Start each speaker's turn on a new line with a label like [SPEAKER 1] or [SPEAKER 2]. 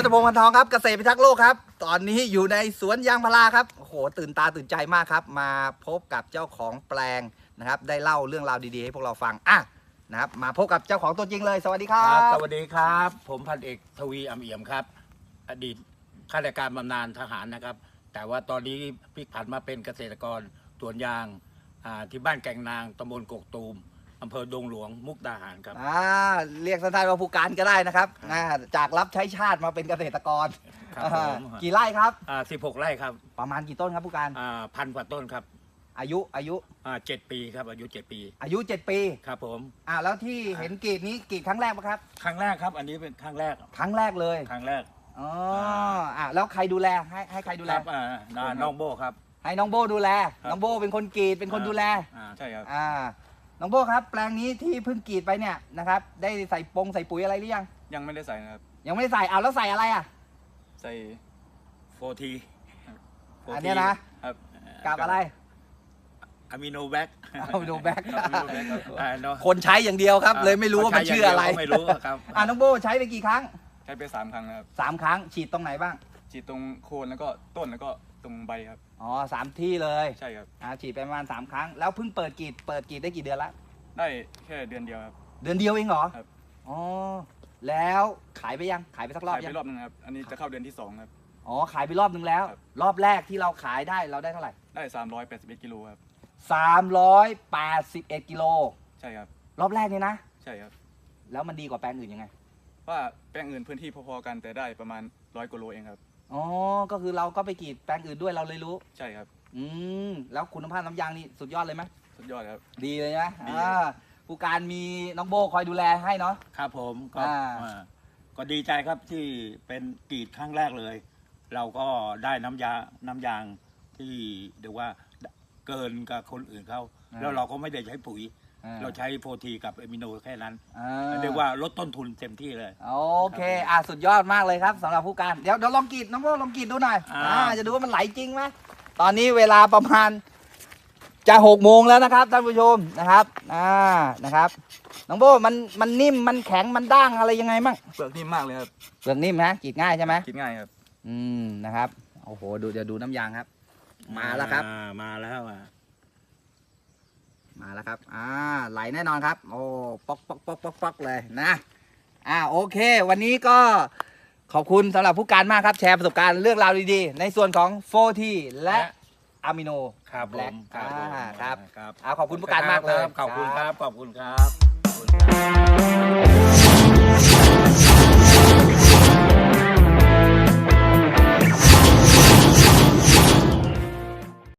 [SPEAKER 1] พงษ์ พันทองครับเกษตรพิทักษ์โลกครับตอนนี้อยู่ในสวนยางพาราครับโอ้โหตื่นตาตื่นใจมากครับมาพบกับเจ้าของแปลงนะครับได้เล่าเรื่องราวดีๆให้พวกเราฟังนะครับมาพบกับเจ้าของตัวจริงเลยสวัสดีครับ
[SPEAKER 2] สวัสดีครับผมพันเอกทวีอำเอี่ยมครับอดีตข้าราชการบำนาญทหารนะครับแต่ว่าตอนนี้พลิกผันมาเป็นเกษตรกรสวนยางที่บ้านแก่งนางตำบลกกตูมอำเภอดงหลวงมุกดาหารครับ
[SPEAKER 1] เรียกสั้นๆว่าผู้การก็ได้นะครับจากรับใช้ชาติมาเป็นเกษตรกรกี่ไร่ครับ
[SPEAKER 2] 16 ไร่ครับ
[SPEAKER 1] ประมาณกี่ต้นครับผู้การ
[SPEAKER 2] 1,000 กว่าต้นครับ
[SPEAKER 1] อายุ
[SPEAKER 2] 7 ปีครับอายุ7 ปี
[SPEAKER 1] อายุ 7 ปี
[SPEAKER 2] ครับผม
[SPEAKER 1] แล้วที่เห็นกรีดนี้กรีดครั้งแรกปะครับ
[SPEAKER 2] ครั้งแรกครับอันนี้เป็นครั้งแรก
[SPEAKER 1] เลย
[SPEAKER 2] ครั้งแรก
[SPEAKER 1] แล้วใครดูแลให้ใครดูแล
[SPEAKER 2] น้องโบครับ
[SPEAKER 1] ให้น้องโบดูแลน้องโบเป็นคนกรีดเป็นคนดูแล
[SPEAKER 2] ใช่ครับ
[SPEAKER 1] น้องโบครับแปลงนี้ที่เพิ่งกรีดไปเนี่ยนะครับได้ใส่ปุ๋ยอะไรหรือ
[SPEAKER 3] ยังไม่ได้ใส่นะครับ
[SPEAKER 1] ยังไม่ได้ใส่แล้วใส่อะไร
[SPEAKER 3] ใส่
[SPEAKER 2] 4T
[SPEAKER 1] อันนี้นะครับกับอะไร
[SPEAKER 2] อะมิโนแบ็ก
[SPEAKER 1] คนใช้อย่างเดียวครับเลยไม่รู้ว่ามันชื่ออะไร
[SPEAKER 2] ไม่รู้ครับ
[SPEAKER 1] น้องโบใช้ไปกี่ครั้ง
[SPEAKER 3] ใช้ไป3 ครั้งนะครับ
[SPEAKER 1] 3 ครั้งฉีดตรงไหนบ้าง
[SPEAKER 3] ฉีดตรงโคนแล้วก็ต้นแล้วก็ตรงใบครับ
[SPEAKER 1] 3 ที่เลย
[SPEAKER 3] ใช่ครับ
[SPEAKER 1] ฉีดไปประมาณ3 ครั้งแล้วเพิ่งเปิดกรีดได้กี่เดือนละ
[SPEAKER 3] ได้แค่เดือนเดียวครับ
[SPEAKER 1] เดือนเดียวเองเหรอ
[SPEAKER 3] ครับ
[SPEAKER 1] แล้วขายไปยังขายไปสักรอบยัง
[SPEAKER 3] ขายไปรอบนึงครับอันนี้จะเข้าเดือนที่2ครับ
[SPEAKER 1] ขายไปรอบนึงแล้วรอบแรกที่เราขายได้เราได้เท่าไหร่
[SPEAKER 3] ได้381 กิโลครับ
[SPEAKER 1] 381 กิโล
[SPEAKER 3] ใช่ครับ
[SPEAKER 1] รอบแรกนี่นะ
[SPEAKER 3] ใช่ครับ
[SPEAKER 1] แล้วมันดีกว่าแปลงอื่นยังไง
[SPEAKER 3] ว่าแปลงอื่นพื้นที่พอๆกันแต่ได้ประมาณ100 กว่าโลเองครับ
[SPEAKER 1] ก็คือเราก็ไปกรีดแปลงอื่นด้วยเราเลยรู้
[SPEAKER 3] ใช่ครับ
[SPEAKER 1] แล้วคุณภาพน้ำยางนี่สุดยอดเลยไหม
[SPEAKER 3] สุดยอดครับ
[SPEAKER 1] ดีเลยนะผู้การมีน้องโบคอยดูแลให้เนาะ
[SPEAKER 2] ครับผมก็ดีใจครับที่เป็นกรีดครั้งแรกเลยเราก็ได้น้ำยางที่เรียกว่าเกินกับคนอื่นเขาแล้วเราก็ไม่ได้ใช้ปุ๋ยเราใช้4Tกับอะมิโนแค่นั้นเรียกว่าลดต้นทุนเต็มที่เลย
[SPEAKER 1] โอเคสุดยอดมากเลยครับสำหรับผู้การเดี๋ยวลองกรีดน้องโบลองกรีดดูหน่อยจะดูว่ามันไหลจริงไหมตอนนี้เวลาประมาณจะ6 โมงแล้วนะครับท่านผู้ชมนะครับนะครับน้องโบมันนิ่มมันแข็งมันด้างอะไรยังไงมั่ง
[SPEAKER 3] เปลือกนิ่มมากเลยครับ
[SPEAKER 1] เปลือกนิ่มฮะกรีดง่ายใช่ไหม
[SPEAKER 3] กรีดง่ายครับ
[SPEAKER 1] นะครับโอ้โหจะดูน้ำยางครับมาแล้วครับ
[SPEAKER 2] มาแล้ว
[SPEAKER 1] ครับไหลแน่นอนครับโอ้ป๊อกเลยนะโอเควันนี้ก็ขอบคุณสำหรับผู้การมากครับแชร์ประสบการณ์เรื่องราวดีๆในส่วนของ 4T และอะมิโน
[SPEAKER 2] ครับ
[SPEAKER 1] แบล็ค
[SPEAKER 2] ครับ
[SPEAKER 1] ขอบคุณผู้การมากเลย
[SPEAKER 2] ขอบคุณครับ